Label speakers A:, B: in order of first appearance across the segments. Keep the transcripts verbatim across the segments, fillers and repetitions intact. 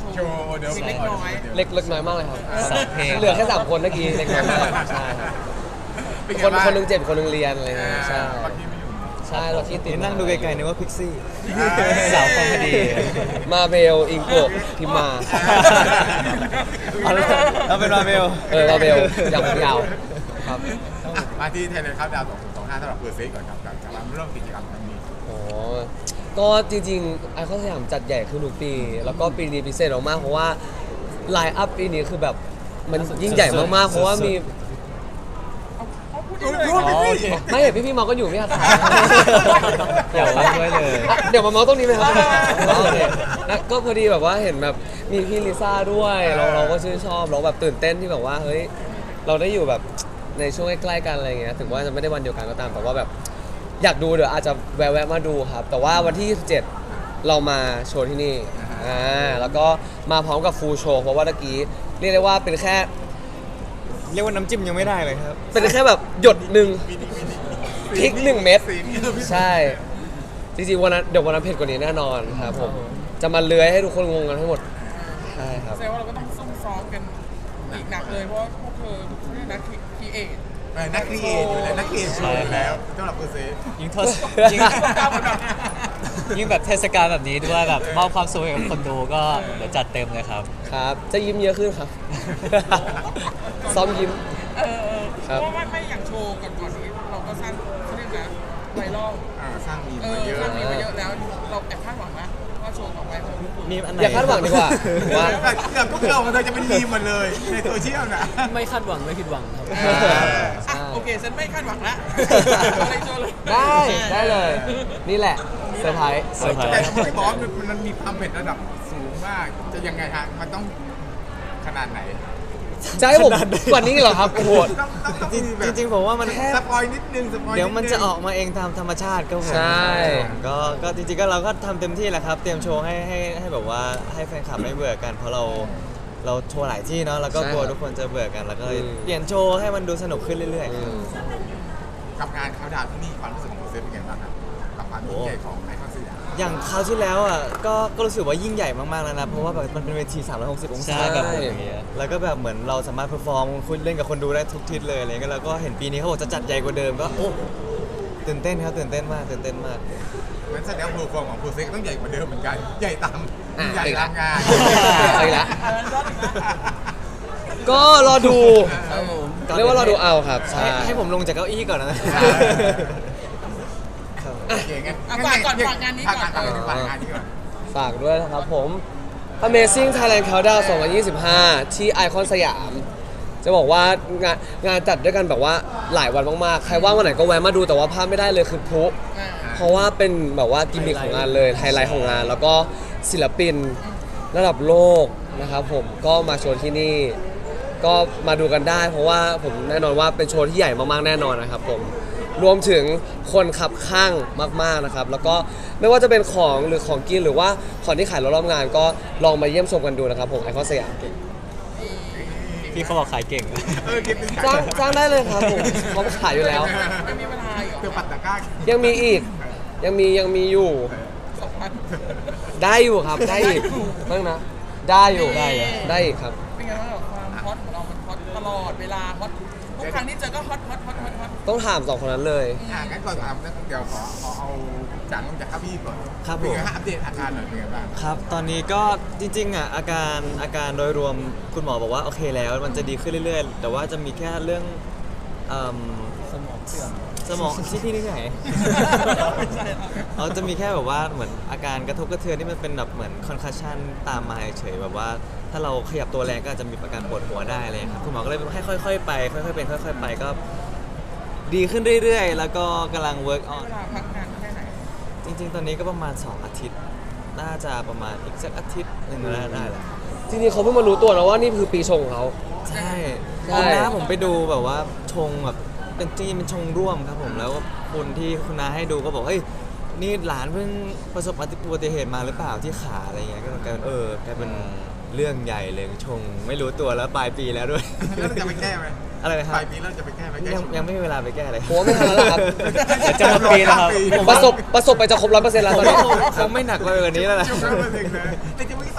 A: โชว์เดี๋ยว
B: เล็กน้อย
C: เล็กเล็กน้อยมากเลยครับ
D: สามเพลง
C: เหลือแค่สามคนเมื่อกี้เล็กน้อยมากใช่ครับคนคนหนึงเจ็บคนหนึงเรียนอะไรเงี้ยใช่
A: บางทีไม่อยู่
C: ใช่เราที่ติด
D: นั่งดูไกลๆนึกว่าพิกซี่
A: อ่า
D: สาวคอมเมดี้
C: มาเบลอิงโกะพิมมา
D: เอาเอาเป็นมาเบล
C: เออมาเบลยาวยาวๆครับ
A: อ่ะมาที่ไทยแลนด์ครับดาวสองสองห้าสำหรับเปิดเซก่อนครับกับการเริ่มกิจกรรมครั้งนี้
C: อ๋อก็จริงๆไอคอนสยามจัดใหญ่ขึ้นทุกปี แล้วก็ปีนี้พิเศษมากๆเพราะว่าไลน์อัพปีนี้คือแบบมันยิ่งใหญ่มากๆเพราะว่ามี
A: พูดพูดพี่
C: ไม่เห็นพี่ๆเมาก็อยู่ไม่อาถรรพ์
D: อยากเล่นด้วยเลย
C: อ่ะเดี๋ยวมาเมาตรงนี้ไหมครับอ๋อโอเคแล้วก็พอดีแบบว่าเห็นแบบมีพี่ลิซ่าด้วยเราเราก็ชื่นชอบเราแบบตื่นเต้นที่แบบว่าเฮ้ยเราได้อยู่แบบในช่วงใกล้ๆกันอะไรเงี้ยถึงว่าจะไม่ได้วันเดียวกันก็ตามแต่ว่าแบบอยากดูเดี๋ยวอาจจะแวะๆมาดูครับ แต่ว่าวันที่ยี่สิบเจ็ดเรามาโชว์ที่นี่อ่าแล้วก็มาพร้อมกับฟูลโชว์เพราะว่าตะกี้เรียกได้ว่าเป็นแค่
D: เรียกว่าน้ำจิ้มยังไม่ได้เลยครับ
C: เป็นแค่แบบหยดหนึ่งพริกหนึ่งเม็ด
A: สีนี้คือพี่
C: ใช่ จริงๆวันนั้นเดี๋ยววันนั้นเผ็ดกว่านี้แน่นอนครับผมจะมาเลื้อยให้ทุกคนงงกันทั้งหมดใช่ครับ
B: แสดงว่าเราก็ต้องซุ่มซ้อมกันอีกหนักเลยเพราะว่าพวกเธอนี่นักครีเอท
A: เออนักครีเอทอยู่แล้วนักครีเอทอยู่แล้วสำหรับเปิดเซ
D: ยิ่งทศยิ่งยิ่งแบบเทศกาลแบบนี้ด้วยแบบมอบความสุขให้กับคนดูก็เดี๋ยวจัดเต็มเลยครับ
C: ครับ จะยิ้มเยอะขึ้นครับ ซ้อมยิ้ม
B: เออ
C: ครับ
B: เพราะว่าไม่อย่างโชว์ก่อนก่อนนี้เราก็สร้างเขาเรียกนะไวรัล
A: อ่าสร้างมีม
B: เออ
A: มาเยอะ
B: สร้างมีมาเยอะแล้วเราแอบคาดหวังนะว่าโชว์ต่อไปของลูกคุณ
D: มีอันไหน
C: อย่าคาดหวังดีกว่าว่า
A: เกือบทุกเรามันจะเป็นมีมหมดเลยในโซเชียลนะ
E: ไม่คาดหวังไม่ผิดหวังครับ
A: เออ
B: อ่ะโอเคฉันไม่คาดหวังละอะไรโชว์เลย
C: ได้ได้เลย นี่แหละเซอร์ไพรส์
D: เซอร์ไพร
A: แต่
D: ส์
A: ที่บอกว่ามันมันมีความเผ็ดระดับสูงมาก จะยังไงฮะมันต้องขนาดไหน
C: จะให้ผมกว่านี้เหรอครับโอ้โห
A: ต้องต้องต้อง
D: จริง
A: มีแบบ
D: จริงๆผมว่ามัน
A: สปอยนิดนึงสปอย
D: เดี๋ยวมันจะออกมาเองตามธรรมชาติครับผม
C: ใช่
D: ก็ก็จริงๆก็เราก็ทำเต็มที่แหละครับ เตรียมโชว์ให้ให้ให้แบบว่าให้แฟนคลับไม่เบื่อกันเพราะเราเราโชว์หลายที่เนาะแล้วก็กลัวทุกคนจะเบื่อกันแล้วก็เลยเปลี่ยนโชว์ให้มันดูสนุกขึ้นเรื่อยๆครับ
A: กับงานเขาดาวน์ที่นี่ความรู้สึกของเซฟเป็นไงบ้างครับกับความยิ่งใหญ่ของไอคอนสยาม
D: อย่างคราวที่แล้วอ่ะก็ก็รู้สึกว่ายิ่งใหญ่มากๆแล้วนะเพราะว่าแบบมันเป็นเวทีสามร้อยหกสิบองศา
C: ใช่
D: แบบอย่างเงี้ยแล้วก็แบบเหมือนเราสามารถเพอร์ฟอร์มคุยเล่นกับคนดูได้ทุกทิศเลยอะไรเงี้ยแล้วก็เห็นปีนี้เขาบอกจะจัดใหญ่กว่าเดิมก็โอ้ตื่นเต้นครับตื่นเต้นมากตื่นเต้นมาก
A: งั้นแสดงว่าเพอร์ฟอร์มของโปรเซกต้องใหญ่กว่าเดิมเหมือนกัน ใหญ่ตาม
C: อ่ะ
A: ใหญ่ตามงาน
C: เอาอีกแล้ว ก็รอดู
E: ครับผม
C: เรียกว่ารอดูเอาครับใช่
D: ให้ให้ผมลงจากเก้าอี้ก่อนนะ
A: โอเคงั้น
B: อ่ะฝากก่อนฝากงานนี้ก่อน
A: ฝากงานฝากงานนี้ก่อน
C: ฝากด้วยนะครับผม Amazing Thailand Countdown สองพันยี่สิบห้า ที่ไอคอนสยาม จะบอกว่างานงานจัดด้วยกันแบบว่าหลายวันมากๆ ใครว่างวันไหนก็แวะมาดูแต่ว่าพลาดไม่ได้เลยคือพลุ
B: อ่า
C: เพราะว่าเป็นแบบว่ากิมมิคของงานเลยไฮไลท์ของงาน แล้วก็ศิลปินระดับโลกนะครับผมก็มาโชว์ที่นี่ ก็มาดูกันได้ เพราะว่าผมแน่นอนว่าเป็นโชว์ที่ใหญ่มากๆแน่นอนนะครับผมรวมถึงคนขับข้างมากๆนะครับแล้วก็ไม่ว่าจะเป็นของหรือของกินหรือว่าของที่ขายรอบๆงานก็ลองมาเยี่ยมชมกันดูนะครับผมไอคอนสยาม
D: พี่เขาบอกขายเก่ง
A: เออคิดถึง
C: จ้างจ้างได้เลยครับผมเขาขายอยู่แล้ว
B: ไม่มีเวลาอีก
A: เตือปัตตะกร้า
C: ยังมีอีกยังมียังมีอยู่
B: สองพัน
C: ได้อยู่ครับได้อีกนั่งนะได้อยู่
D: ได้เหรอ
C: ได้อีกครับ
B: เป็นไงบ้างกับความฮอตของเรามันฮอตตลอดเวลาฮอตทุกครั้งที่เจอก็ฮอตฮอตฮอตฮอตฮอต
C: ต้องถามสองคนนั้นเลย
A: อ่างั้นก่อนถามนะเดี๋ยวขอขอเอาจากลงจากข้าพี่ก่อน
D: ครับ
A: เป็น
D: ผม
A: ไงฮะอัปเดตอาการหน่อยเป็นไงบ้าง
D: ครับ ตอนนี้ก็จริงๆอ่ะอาการอาการโดยรวมคุณหมอบอกว่าโอเคแล้วมันจะดีขึ้นเรื่อยๆ แต่ว่าจะมีแค่เรื่องเอิ่ม
E: สมองเสื่อม
D: สมองที่ที่นี่ไหน เราจะมีแค่แบบว่าเหมือนอาการกระทบกระเทือนที่มันเป็นแบบเหมือนคอนคัชชันตามมาเฉยๆแบบว่าถ้าเราขยับตัวแรงก็อาจจะมีอาการปวดหัวได้เลยครับคุณหมอก็เลยให้ค่อยๆไปค่อยๆเป็นค่อย ๆ ไปก็ดีขึ้นเรื่อยๆ แล้วก็กำลัง work on
B: เวลาพักงานแค่ไหน
D: จริงๆ ตอนนี้ก็ประมาณ สอง อาทิตย์ น่าจะประมาณอีกสักอาทิตย์หนึ่งได้ได้แหละ
C: จริงๆเขาเพิ่งมารู้ตัวนะว่านี่คือปีชงของเขา
D: ใช่
C: ใช่
D: คุณน้าผมไปดูแบบว่าชงแบบเป็นจริงๆเป็นชงร่วมครับผมแล้วคนที่คุณน้าให้ดูก็บอกเฮ้ยนี่หลานเพิ่งประสบอุบัติเหตุมาหรือเปล่าที่ขาอะไรเงี้ยก็กลายเป็นเออกลายเป็นเรื่องใหญ่เลยชงไม่รู้ตัวแล้วปลายปีแล้วด้วย
A: แล้วเราจะไปแก้ไหม
D: อะไรนะครับ
A: ปลายปีเราจะไปแก้ไหมแก้
D: ยัง
A: ชง
D: ยังไม่มีเวลาไปแก้เลย
C: ผมว่าไม่ทันแล้วล่ะครับ
D: เดี๋ยวจะหมดปีแล้วครับ
C: ประสบประสบไปจะครบร้อยเปอร์เซ็นต์แล้ว
D: ผ
C: ต
D: ม
C: อนนี้
D: ว่าคงคงไม่หนักไปกว่านี้แล้วนะ
A: ช่วงนั้นเลยนะแต่จะไม่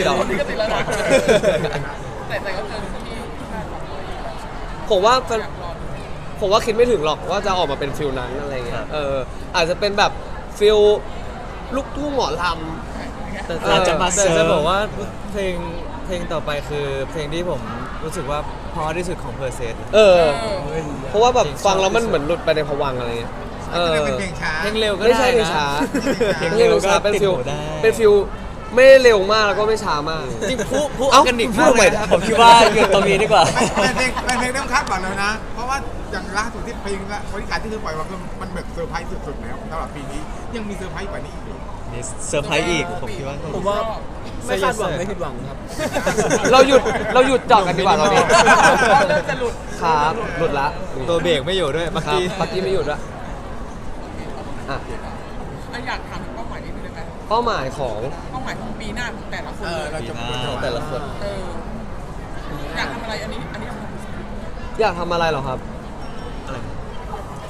C: สิทธิ์เหรอ
B: นี่ก็ติดแล้วนะแต่แต่ก็เจอที่คาดหวังไว้
C: ผมว่า
B: อยากรอดู
C: ผมว่าคิดไม่ถึงหรอกว่าจะออกมาเป็นฟิลนั้นอะไรเงี้ยเอออาจจะเป็นแบบฟิลลูกทุ่งหมอล
D: แต่
C: เออ
D: เราจะมา
C: แต่
D: แต่
C: จะ
D: จะ
C: บบ อ
D: อก ก
C: ว่า
D: ว่าเพลงเพลงต่อไปคือเพลงที่ผมรู้สึกว่าเพราะที่สุดของเพอร์เซส
C: ำเออ เพราะว่าแบบฟังแล้วมันเหมือนหลุดไปในภวังค์อะไรเงี้ยเออ
A: เป็นเพลงช้า
D: เพลงเร็วก็
C: ไม่
D: ได้
C: ใช่เพลง
D: นะ
C: ช้า
D: เพลง
C: ไม่
D: เร็
C: ใช่
D: ว
C: เพลงช้า
D: ก็
C: เป็น
D: ติด
C: ฟิล
D: หูได้
C: เป็นฟิลไม่เร็วมากแล้วก็ไม่ช้ามาก
D: จริงผู้ผู้อ
C: เอ้า
D: อร์แกนิก
C: พู
D: มา
C: ด
D: ก
C: ใหม่
D: เลยนะผมคิดว่าหยุดตรงนี้ดีกว่า
A: เป็นเพลงเป็นเพลงเริ่มคาดหวังแล้วนะ เพราะว่าอย่างล่าสุดที่เพลงละบริการที่เธอปล่อยมาคือมันแบบเซอร์ไพรส์สุดๆแล้วสำหรับปีนี้ยังมีเซอร์ไพรส์กว่านี้อีกเหรอ
D: มีเซอร์ไพรส์อีกผมคิดว่า
E: ผมว่าไม่คาดหวังไม่ผิดหวังครับ
C: เราหยุดเราหยุดจอดกันดีกว่าตอนนี้
B: เริ่มจะหลุด
C: ครับหลุดละ
D: ตัวเบรกไม่อยู่ด้วยเมื่อ
C: ครับ
D: กี้
C: ปักกี้ไม่หยุดละอ่ะ
B: อ่ะอยากถามถึงเป้าหมายนิดนึงได้ไหม
C: เป้าหมายของ
B: เป้าหมายของปีหน้าของแต่ละคน
A: เออ
B: เลย
A: เราจะพูด
C: แต่ละคน
B: เอออยากทำอะไรอันนี้อันนี้
C: อยากทำอะไรเหรอครับ
B: อ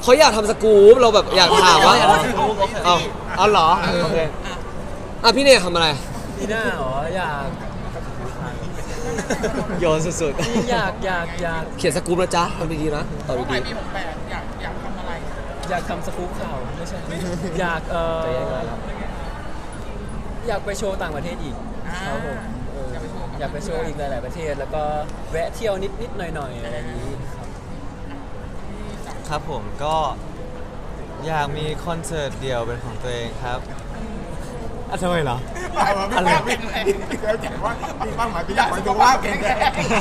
C: เขาอยากทำสกู๊ปเราแบบอยากถามว่า
D: อยากทำสกู๊ปโอเค
C: เอาเอาเหรอโอเคอ่ะพี่เนี่ยทำอะไร
E: พี่หน้าเหรออยาก
D: โยนสุด
E: อยากอยากอยาก
C: เขียนสกู๊ปนะจ๊ะทำดีๆนะตอบ
B: เป้าห
C: ดี
B: มายปีหกแปดอยากอยากทำอะไร
E: อยากทำสกู๊ปข่าวไม่ใช่ อยากเออ
C: ๆจะยังไงครับ
E: อยากไปโชว์ต่างประเทศอีก
B: อ่า
E: ครับผมเอออยากไปโชว์อีกหลาย ๆ ประเทศ แล้วก็แวะเที่ยวนิดนิดๆหน่อยหน่อยๆอะไรอย่างนี้ครับ
D: ๆ ครับผมก็อยากมีคอนเสิร์ตเดี่ยวเป็นของตัวเองครับอ่ะทำไมเหรอ
A: อะไรเป็นอะไรแล้วแต่ว่ามีเป้าหมายปีหน้าขอให้สุขภาพแข็งแรง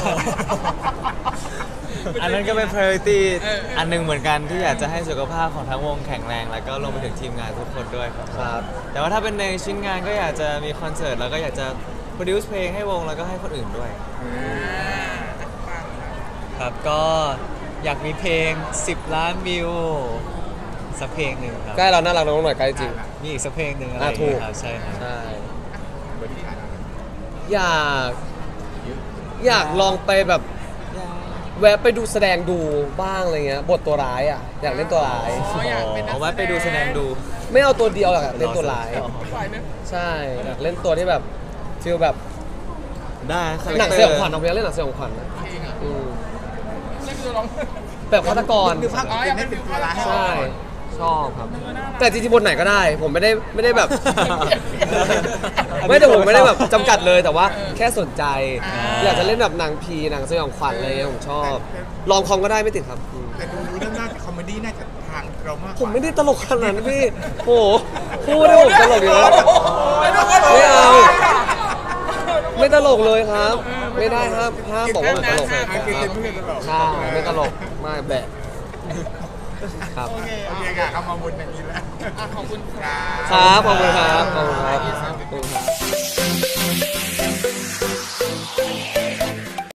D: อันนั้นก็เป็น priority อันหนึงเหมือนกันที่อยากจะให้สุขภาพของทั้งวงแข็งแรง แล้วก็รวมไปถึงทีมงานทุกคนด้วยครับ
C: ครับ
D: แต่ว่าถ้าเป็นในชิ้นงานก็อยากจะมีคอนเสิร์ตแล้วก็อยากจะ produce เพลงให้วงแล้วก็ให้คนอื่นด้วย
F: ครับก็อยากมีเพลง สิบ ล้านวิวสักเพลงหนึ่งครับ
C: ใกล้เราน่ารักน้องหน่อยใกล้จริง
F: มีอีกสักเพลงหนึ่งอะไร
C: อ่ะ
F: อย่าง
C: ถูก
F: เงี้ยครับใช่ครับ
C: ใช่อยากอยากลองไปแบบแวะไปดูแสดงดูบ้างอะไรเงี้ยบทตัวร้ายอ่ะอยากเล่นตัวร้าย
B: อ๋ออยากเป็นนัก
D: เอาไว้ไปดูแสดงดู
C: ไม่เอาตัวเดียวอยากเล่นตัวร้าย
B: ปล่อยไหม
C: ใช่อยากเล่นตัวที่แบบฟีลแบบ
D: ได้คาแรค
C: หนัง
D: เตอ
C: สยอง
D: ร์
C: ขวัญเอาไปเล่นหนังสยองขวัญนะ
B: เพลงอ่ะ
C: อืม
B: นี่คือร้อง
C: แบบฆาตกร
A: นึกภาพเป็นให้เป็นตัวร้าย
C: ใช่ชอบครับ แต่จริงๆบทไหนก็ได้ ผมไม่ได้ไม่ได้แบบ ไม่แต่ผมไม่ได้แบบจำกัดเลยแต่ว่าแค่สนใจ อยากจะเล่นแบบหนังผีหนังสยองขวัญอะไรเงี้ยผมชอบ ลองคอมก็ได้ไม่ติดครับอืม
A: แต่ดูแล้วน่าจะคอมเมดี้น่าจะทางเรามากกว่า
C: ผมไม่ได้ตลกขนาดนั้นพี่โอ้โหพูดได้ผมตลกอยู่แล้ว ไม่เอา ไม่ตลกเลยครับ ไม่ได้ครับห้ามบอกว่ามันตลก
A: อ่ะ
C: ครับ
A: กินเต็มที่ตลก
C: ใช่ไม่ตลกไม่แบะครับ
A: โอเคโอเคค่ะเข้ามาบนอย่างนี้แล้ว
B: อ่ะขอบคุณครับ
C: ครับขอบคุณครับขอบคุณครับขอบคุณครับ